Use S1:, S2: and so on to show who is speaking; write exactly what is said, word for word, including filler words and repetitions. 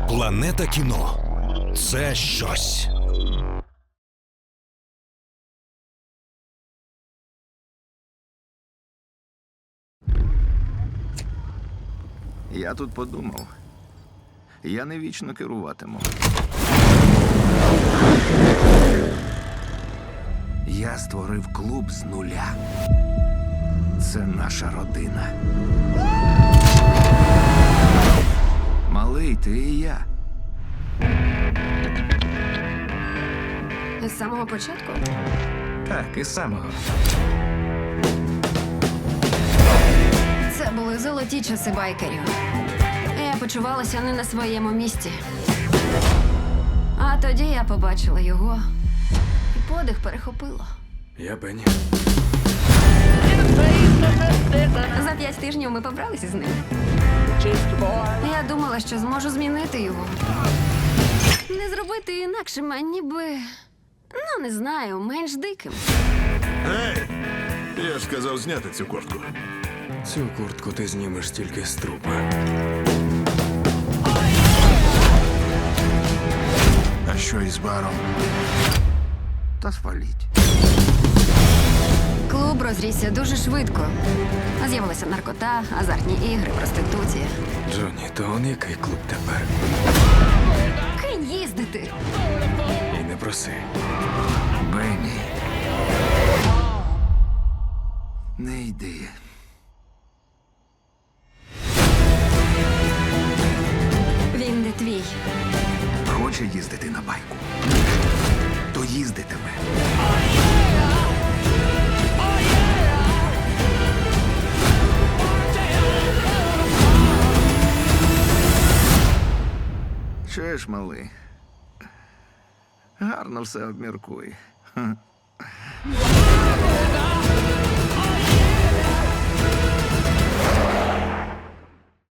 S1: Планета кіно – це щось.
S2: Я тут подумав. Я не вічно керуватиму. Я створив клуб з нуля. Це наша родина. Малий, ти і я.
S3: З самого початку?
S2: Так, із самого.
S3: Це були золоті часи байкерів. Я почувалася не на своєму місці. А тоді я побачила його, і подих перехопило.
S4: Я Бенні.
S3: За п'ять тижнів ми побралися з ним. Я думала, що зможу змінити його. Не зробити інакшим, а ніби, ну, не знаю, менш диким.
S5: Ей! Я ж сказав зняти цю куртку.
S4: Цю куртку ти знімеш тільки з трупа.
S5: А що із баром?
S2: Та спаліть.
S3: Клуб розрісся дуже швидко. З'явилася наркота, азартні ігри, проституція.
S4: Джонні, то он який клуб тепер?
S3: Кинь їздити.
S4: І не проси.
S2: Бенні. Не йди.
S3: Він не твій.
S2: Хоче їздити на байку. То їздитиме. Чуєш, малий? Гарно все обміркуй. Ха.